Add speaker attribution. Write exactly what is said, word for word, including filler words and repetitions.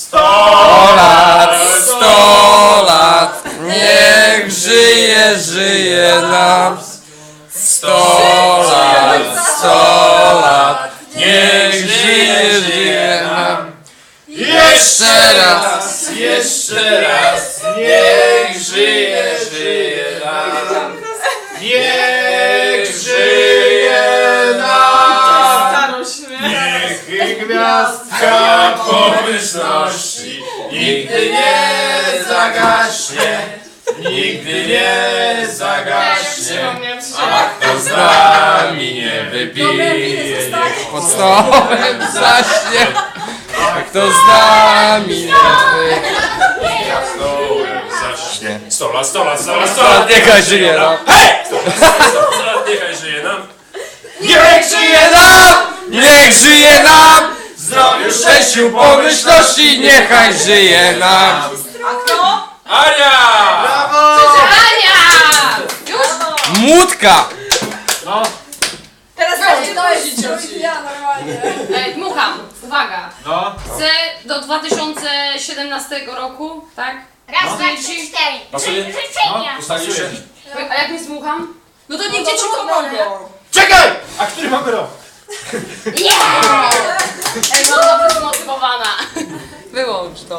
Speaker 1: Sto lat, sto lat, niech żyje, żyje nam. Sto lat, sto lat, niech żyje, żyje nam. Jeszcze raz, jeszcze raz, niech żyje, żyje nam. Niech żyje nam. Niech gwiazdka pomyślności nigdy nie zagaśnie, nigdy nie zagaśnie. A kto z nami nie wypije, niech pod stołem zaśnie. A kto z nami nie wypije, pod stołem zaśnie.
Speaker 2: Sto lat, sto lat, sto lat, sto
Speaker 1: Sto
Speaker 2: lat,
Speaker 1: lat, niechaj żyje nam.
Speaker 2: Hej! Sto lat, niechaj żyje nam.
Speaker 1: Niech żyje nam! Niech żyje nam! Zdrowiu, szczęściu, pomyślności, niechaj żyje nam!
Speaker 3: A kto?
Speaker 2: Ania!
Speaker 4: Ania! Już?
Speaker 1: Młódka!
Speaker 3: Teraz
Speaker 4: Weź,
Speaker 3: to
Speaker 4: to
Speaker 3: jest
Speaker 4: jest
Speaker 3: dzieci.
Speaker 4: ja normalnie. Ej, dmucham. Uwaga.
Speaker 2: No.
Speaker 4: Chcę do dwa tysiące siedemnastego roku, tak?
Speaker 5: Raz, dwa, trzy, cztery.
Speaker 2: Pasuje?
Speaker 5: Trzy życzenia.
Speaker 2: Ustalił się.
Speaker 4: A jak nie dmucham?
Speaker 3: No to niech dzieci pomogą.
Speaker 2: Czekaj! A który mamy rok?
Speaker 4: Ej, mam dobrze zmotywowana.
Speaker 3: Wyłącz to.